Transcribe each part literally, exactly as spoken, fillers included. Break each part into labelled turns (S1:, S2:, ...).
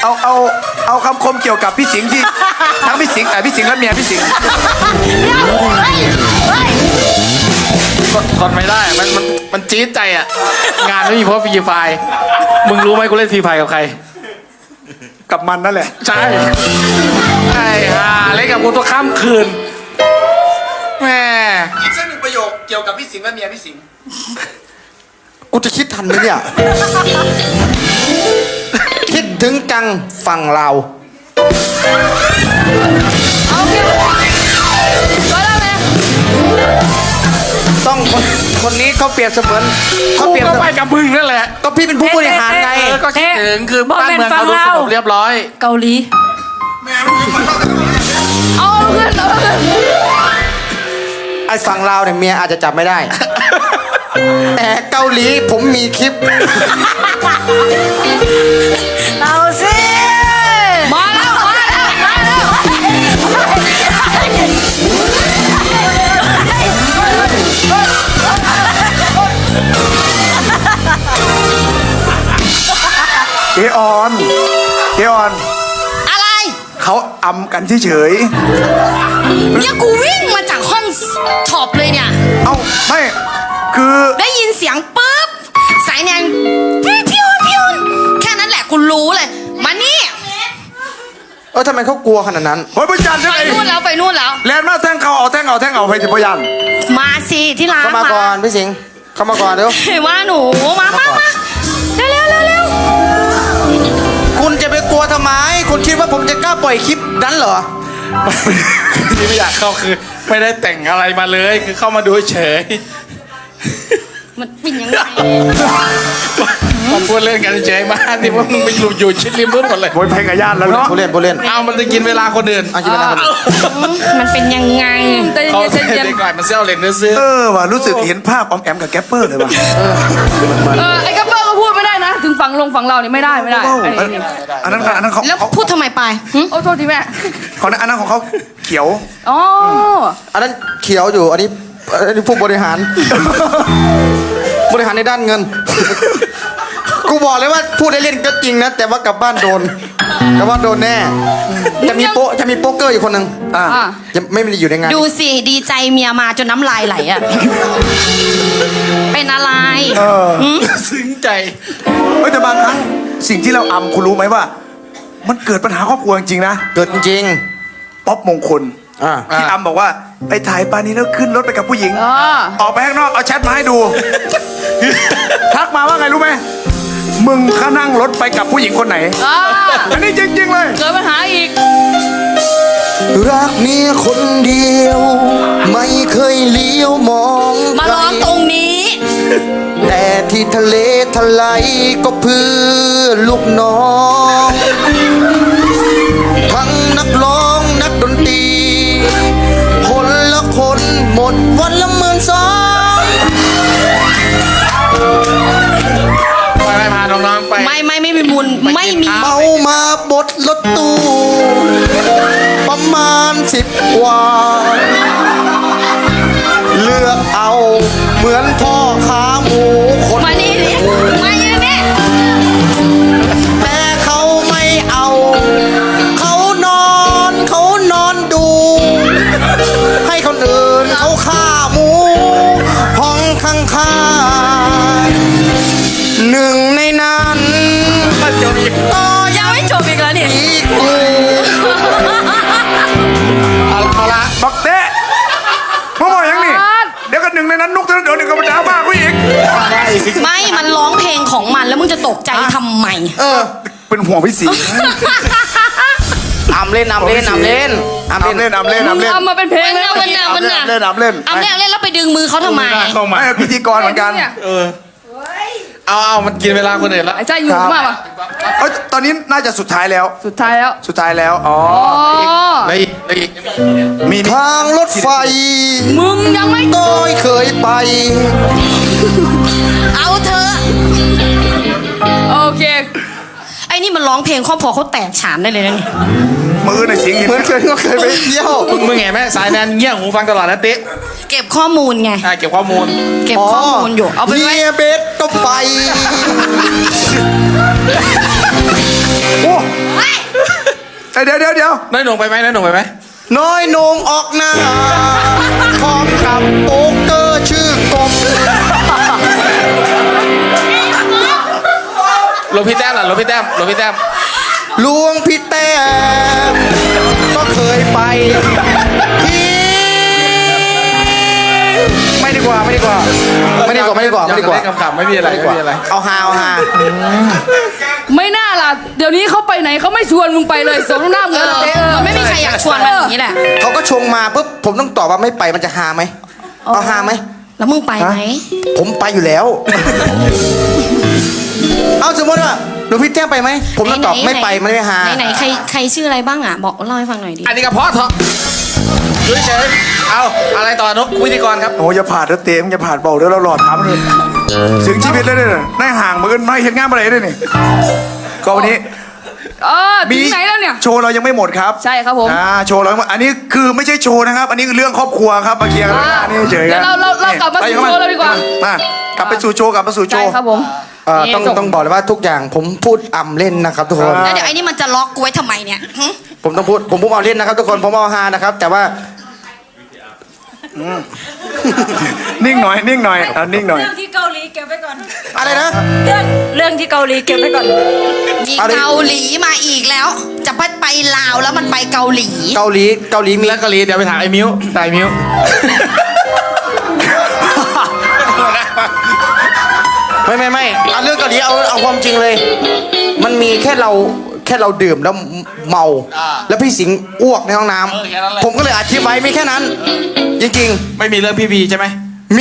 S1: เอาเอาเอาคำคมเกี่ยวกับพี่สิงห์ที่ทั้งพี่สิงห์แต่พี่สิงห์และเมียพี่สิงห์
S2: เดี๋ยวเฮ้ยเฮ้ย
S3: ทนไม่ได้มันมันมันจี๊ดใจอ่ะงานไม่มีเพราะฟรีไฟมึงรู้ไหมกูเล่นฟรีไฟกับใคร
S1: กับมันนั่นแหละ
S3: ใช่ไอ้ห่าเล่นกับกูตัวข้ามคืนแม่
S1: อีกสักหนึ่งประโยคเกี่ยวกับพี่สิงห์และเมียพี่สิงห์
S4: กูจะคิดทันไหมเนี่ย คิดถึงจังฝั่งเรา
S2: เอาเก็บก็แล้วไง
S4: ต้องคนคนนี้เขาเปรียบเสมือนเขา
S3: กู
S4: เปรียบ
S3: ก็
S4: เส
S3: ไป
S4: มือน
S3: กับมึงนั่นแหละ
S4: ก็พี่เป็นผู้บริหารไง
S3: เออก็คิดถึงคือบ้านเมืองเขาดูสงบเรียบร้อย
S2: เกาหลีเอาเงินเอาเงิน
S4: ไอ้ฝั่งเราเนี่ยเมียอาจจะจับไม่ได้ แต่เกาหลีผมมีคลิป
S2: เอาสิมาแล้วมาแล้วมาแล้ว
S1: เจออนเจออน
S2: อะไร
S1: เขาอำกันเฉย
S2: เนี่ยกูวิ่งมาจากห้องช็อปเลยเนี่ย
S1: ๆเอาไม่คือ
S2: ได้ยินเสียงปุ๊บสายแนนพี่พิวพิวแค่นั้นแหละกูรู้เลยมานี่
S4: เออทำไมเขากลัวขนาดนั้น
S1: เฮ้ยพยันใช่
S2: ไป
S1: ไหม
S2: นู่นแล้วไปนู่นแล้ว
S1: แลนด์มาแท่งเขาเอาแท่งเอาแท่งเอาไปถึงพยัน
S2: มาสิที่ร้าน
S4: เข้ามาก่อนพี่สิงห์เข้ามาก่อนเดี๋ยว
S2: เห็นว่าหนูมามามาเร็วเร็วเร็วเร็ว
S4: คุณจะไปกลัวทำไม คุณคิดว่าผมจะกล้าปล่อยคลิปนั้นเหรอ
S3: ที่ไม่อยากเข้าคือไม่ได้แต่งอะไรมาเลยคือเข้ามาดูเฉย
S2: มันเป็นยังไง
S3: มันพูดเล่นกันเฉยมากที่ว่ามึงไปอยู่อยู่ชิดริมพื้นหมดเลย
S1: โวยเพลงกับญาติแล้วเนาะ
S4: ผู้เล่นผู้เล่น
S3: เอามันจะกินเวลาคนอื่น
S4: เอากินเวลาคนอื่น
S2: มันเป็นยังไง
S3: เขาเด็กหน่อยมันเซลเลนเนื้อซื้อ
S1: เออว่ะรู้สึกเห็นภาพออมแอมกับแกปเปอร์เลยว่ะ
S5: เออไอ้กัปเปอร์ก็พูดไม่ได้นะ ถึงฝั่งลงฝั่งเราเนี่ยไม่ได้ไม่ได้ไอ้นี่
S1: อันนั้นอันนั้นเขา
S2: แล้ว
S1: เขา
S2: พูดทำไมไปหึ
S5: โอ้โทษทีแม่
S1: เขาอันนั้นของเขาเขียว
S5: อ๋อ
S4: อันนั้นเขียวอยู่ อันนี้อันนี้ผู้บริหาร บริหารในด้านเงิน กูบอกเลยว่าพูดได้เล่นก็จริงนะ แต่ว่ากลับบ้านโดนกลับบ้านโดนแน่ จะมีโป๊ะจะมีโป๊กเกอร์อยู่คนหนึ่ง
S1: อ่า
S5: อ่ะ
S4: ยังไม่ได้อยู่ในงาน
S2: ดูสิดีใจเมียมาจนน้ำลายไหลอ่ะ เป็นอะไร
S1: เออ
S2: หึ
S3: ซึ้งใจ
S1: เฮ้ยแต่บางครั้งสิ่งที่เราอำคุณรู้ไหมว่า มันเกิดปัญหาครอบครัวจริงๆนะ
S4: เกิดจริง
S1: ป๊อปมงคล
S4: อ่า
S1: ที่อำบอกว่าไปถ่ายปานี้แล้วขึ้นรถไปกับผู้หญิง
S5: อ่า
S1: ออกไปข้างนอกเอาแชทมาให้ดู ทักมาว่าไงรู้ไหมมึงข้านั่งรถไปกับผู้หญิงคนไหน
S5: อ่า
S1: อันนี้จริงๆเลย
S5: เกิดปัญหาอีก
S4: รักเมียคนเดียว ไม่เคยเลี้ยวมอง
S2: มาร้องตรงนี้
S4: แต่ที่ทะเลทลายก็เพื่อลูกน้องทั้งนักร้องนักดนตรีคนละคนหมดวันละหมื่นสอง
S3: ไปไปพาน้องๆไป
S2: ไม่ไม่ไม่มีบุญไม่มี
S4: เมามาบดรถตู้ประมาณสิบกว่า เลือกเอาเหมือนพ่อขาหมูคน
S2: มานี่ดิมาอยู่นี่
S4: แต่เขาไม่เอา เขานอนเขานอนดู ให้คนอื่นเขาฆ่าหมูห้องข้างๆหนึ่งในนั้นก็ยั
S2: ยัง งไม่จบอีกแล้วนี่
S4: อีกกู
S3: เอาเอาละ
S1: บักเต้มาบอกยังนี่เดี๋ยวกันหนึ่งในนั้นนุกเดี๋ยวหนึ่งกับดาบ้ากูอีก
S2: ไม่มันร้องเพลงของมันแล้วมึงจะตกใจทำไม
S4: เออ
S1: เป็นห่วงพี่สิงห์
S4: อำเล่นอำเล่นอำเล่นอำ
S1: อำ
S4: เล่น
S1: เล่นอำเล่นอำเล่น
S5: ทำมาเป็นเพลง
S2: มัน
S5: แล้ว
S2: น่ะมันน่ะมันน่ะ
S1: เล่นอำเล่น
S2: เอาเล่นเอาเล่นแล้วไปดึงมือเขาทำไม
S3: ไม่น่าเข้ามา
S1: ไม่พิธีกรเหมือนกัน
S5: เนี่ย
S3: เออเอาเอามันกินเวลาคนอื่นแล้ว
S5: ไอ้ใจอยู่มากป่ะ
S1: เอ้ยตอนนี้น่าจะสุดท้ายแล้ว
S5: สุดท้ายแล้ว
S1: สุดท้ายแล้วอ๋อ
S5: อ๋อ
S3: แล้วอีกแล้วอีก
S1: มีมี
S4: ทางรถไฟ
S5: มึงยังไม่
S4: ต้อยเคยไป
S2: เอาเธอะ
S5: โอเค
S2: ไอ้นี่มันร้องเพลงครอบครัวเขาแตกฉานได้เลยนะนี่
S1: มือในอยสิงห์
S4: เหมือนเคยก็เคยไปเที่ยว
S3: มึงมึงเห็นไหมสายแนนเงี้ยหูฟังตลอดนะเต๊ะ
S2: เก็บข้อมูลไง
S3: อ่าเก็บข้อมูล
S2: เก็บข้อมูลอยู่เอาไปไว้
S4: เฮียเบสก็ไป
S1: โอ้
S2: ไอ้
S1: เดี๋ยวเดี๋ยวเดี๋ยว
S3: น้อยหนุ่มไปไหมน้อยหนุ่มไปไหม
S4: น้อยนงออกหน้าพร้อมกับโป๊กเกอร์ชื่อกบ
S3: หลวงพี่แต้มล่ะหลวงพี่แต้มหลวงพี่แต้ม
S4: หลวงพี่แต้มก็เคยไปที่ ไม่ดีกว่าไม่ดีกว่าไม่ดีกว่าไม่ดีกว่าไม่ดีกว่า
S3: เล่นขำๆไม่มีอะไรไม่มีอะไร
S4: เอาฮาเอาฮา
S5: ไม่น่าล่ะเดี๋ยวนี้เขาไปไหนเขาไม่ชวนมึงไปเลยสมน้ำ
S2: เอ
S5: เงิน
S2: อ
S5: เออ
S2: มันไม่มีใครอยากชวนมันอย่างนี้แหละ
S4: เขาก็ชงมาปุ๊บผมต้องตอบว่าไม่ไปมันจะฮาไหมเอาฮาไหม
S2: แล้วมึงไปไหม
S4: ผมไปอยู่แล้ว เอาสมมติว่าหลวงพี่แต้มไปไหมผมต้องตอบไม่ไปมันไม่ฮา
S2: ไหนไหนใครใครชื่ออะไรบ้างอ่ะบอกเล่าให้ฟังหน่อยดิ
S3: อันนี้ก็เพาะเถอะดูเฉยๆเอาอะไรต่อนกวิธีกรครับ
S1: โอ้ยอย่าผ่านเด้อเต็มอย่าผ่านเบาเด้อเราหลอดถามเลยถึงชีวิตเลยเนี่ยนายห่างเหมือนกันไม่เห็นงานอะไรเลยนี่ก็วันนี้
S5: เออถึงไหนแล้วเนี่ย
S1: โชว์เรายังไม่หมดครับ
S5: ใช่ครับผม
S1: อ่าโชว์เรายังไม่อันนี้คือไม่ใช่โชว์นะครับ อันนี้คือเรื่องครอบครัวครับมาเคลียร์กัน
S5: อ่า
S1: นี่เฉยๆ
S5: เดี๋ยวเราเราเรากลับมาสู่โชว์เราดีกว่า
S1: มากลับไปสู่โชว์กลับมาสู่โช
S5: ใช่
S1: ว์
S5: ครับผม
S4: เอ่อต้อง
S5: นี่ส่ง
S4: ต้องบอกเลยว่าทุกอย่างผมพูดอ่ำเล่นนะครับทุกคน
S1: อ่า
S2: แล้วเดี๋ยวไอ้นี่มันจะล็อกกูไว้ทำไมเนี่ยหึ
S4: ผมต้องพูดผมพูดเอาเล่นนะครับทุกคนผมเอาฮานะครับ แต่ว่า
S1: นิ่งหน่อยนิ่งหน่อยอ่ะนิ่งหน่อย
S6: เรื่องที่เกาหลีเก็บไว้ก่อน
S4: อะไรนะ
S6: เรื่องเรื่องที่เกาหลีเก็บไว้ก่อน
S2: มี
S4: เอาดิ
S2: เกาหลีมาอีกแล้ว จะไปไปลาวแล้วมันไปเกาหลี
S4: เกาหลีเกาหลีมี
S3: แล้วกะลีเดี๋ยวไปถามไอ้มิ้วตายมิ้ว
S4: ไม่ไม่ไม่เอาเรื่องเกาหลีเอาเอาความจริงเลย มันมีแค่เราแค่เราดื่มแล้วเมา แล้วพี่สิงห์อ้วกในห้องน้ำผมก็เลยอธิบายไม่แค่นั้น จริง
S3: ไม่มีเรื่องพี่บีใช่ไหม
S4: ๆ มี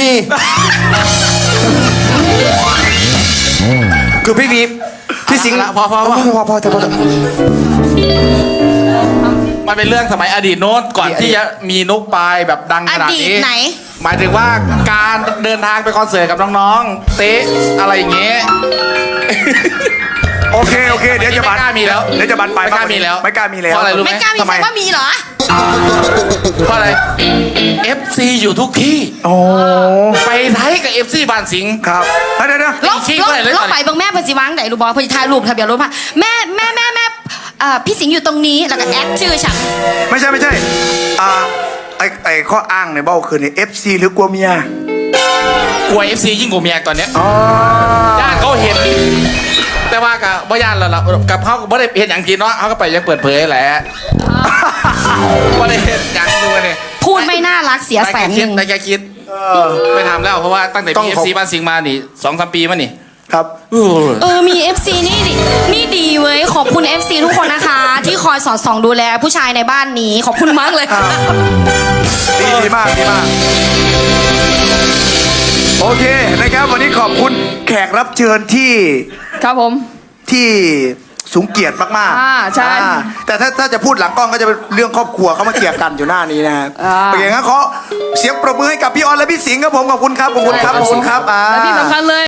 S4: คือพี่วีพี่สิงห์
S3: ละพอพอพอ
S4: พอพอพอพอ
S3: มันเป็นเรื่องสมัยอดีตโน้นก่อนที่จะมีนุกปายแบบดังขนาด
S2: อดี
S3: นี้
S2: ตไหน
S3: หมายถึงว่าการเดินทางไปคอนเสิร์ตกับน้องๆ เต๊ะอะไรอย่างเงี้ย
S1: โอเคโอเคเดี๋ยวจะบัน
S3: ไม่กล้ามีแล้ว
S1: เดี๋ยวจะบันไป
S3: ไม่กล้ามีแล้ว
S1: ไม่กล้ามีแล้ว
S3: เพราะอะไรรู้
S2: ไม่กล้ามี
S3: ทำ
S2: ใครว่ามีเหรอ
S3: เพราะอะไร เอฟ ซี อยู่ทุกที่
S1: โอ้
S3: ไปไทยกับ เอฟ ซี บ้านสิงห์
S1: ครับเดี๋ยวเดี๋ยว
S2: ลอง
S3: ขี้
S2: ลอง
S3: เลยเลย
S2: ลองไปเบิ่งแม่เพนสิวางไหนรูปบอลเพนสิถ่ายรูปทะเบียนรถมาแม่แม่แม่แม่เอ่อพี่สิงห์อยู่ตรงนี้แล้วก็แอดชื่อฉัน
S1: ไม่ใช่ไม่ใช่อ่าไอไอข้ออ้างในเบ้าคือในเอฟซีหรือกลัวเมีย
S3: กลัว เอฟ ซี ยิ่งกว่าเมียตอนเนี้ย
S1: อ๋อ
S3: ญาติเขาเห็น แต่ว่ากับบ่ญาติเรากับเขาก็บ่ได้เห็นอย่างทีเนาะเขาก็ไปยังเปิดเผยแหละบ่ได้เห็นอย่างดูเนี่ย
S2: พูดไม่น่ารักเสียแสนหนึ่ง
S3: ได้แค่คิดไม่ทำแล้วเพราะว่าตั้งแต่
S4: ต้อง
S3: มีเอฟ
S4: ขอบ
S3: ซีบ้านสิงห์มานี่สองสามปีมานี่
S1: ครับ
S3: อู้
S2: เออมี เอฟ ซี นี่ดินี่ดีเว้ยขอบคุณ เอฟ ซี ทุกคนนะคะ ที่คอยสอดส่องดูแลผู้ชายในบ้านนี้ขอบคุณมากเลย
S1: ดีดีมากดีมาก โอเคนะครับวันนี้ขอบคุณแขกรับเชิญที่
S5: ครับผม
S1: ที่สูงเกียรติมากๆ
S5: อ่าใช่
S1: อ่าแต่ถ้าถ้าจะพูดหลังกล้องก็จะเป็นเรื่องครอบครัวเขามาเกลี่ยกันอยู่หน้านี้นะครับ
S5: อ่า
S1: โอเคงั้นขอเสียงปรบมือให้กับพี่ออนและพี่สิงห์ครับผมขอบคุณครับขอบคุณครับขอบคุณครับอ่า
S5: และที่สำคัญเลย